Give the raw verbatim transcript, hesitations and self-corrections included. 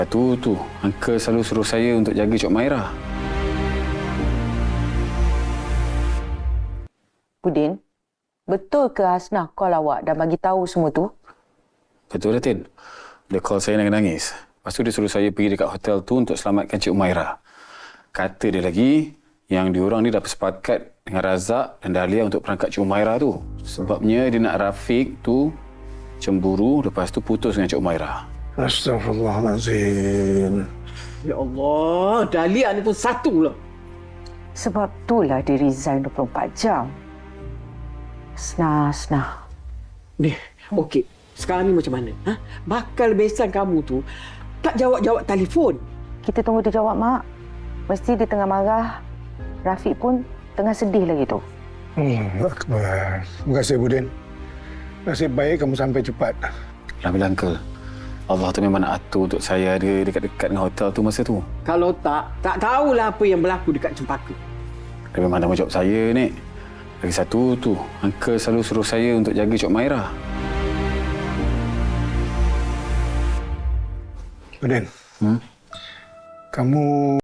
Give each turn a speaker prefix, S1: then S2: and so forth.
S1: Tu tu, Uncle selalu suruh saya untuk jaga Cik Maira.
S2: Budin, betul ke Hasnah call awak dan bagi tahu semua tu?
S1: Betul, Datin. Dia call saya nangis-nangis. Lepas tu dia suruh saya pergi dekat hotel tu untuk selamatkan Cik Umairah. Kata dia lagi yang diorang ni dah bersepakat dengan Razak dan Dahlia untuk perangkap Cik Umairah tu. Sebabnya dia nak Rafiq tu cemburu, lepas tu putus dengan Cik Umairah.
S3: Astaghfirullahalazim.
S4: Ya Allah, Dahlia ni pun satu lah.
S2: Sebab itulah dia resign dua puluh empat jam. Hasnah, Hasnah.
S4: Ni, okey. Sekarang ni macam mana? Ha? Bakal besan kamu tu tak jawab-jawab telefon.
S2: Kita tunggu dia jawab, Mak. Mesti dia tengah marah. Rafiq pun tengah sedih lagi tu.
S3: Hmm, Akbar. Terima kasih, Budin. Nasib baik kamu sampai cepat.
S1: Alhamdulillah, Uncle. Allah tu memang nak atur untuk saya ada dekat-dekat dengan hotel tu masa tu.
S4: Kalau tak, tak tahulah apa yang berlaku dekat Cempaka.
S1: Dia memang tanggungjawab saya, Nek. Lagi satu tu, Uncle selalu suruh saya untuk jaga Cik Maira.
S3: Budin,
S1: Hmm?
S3: kamu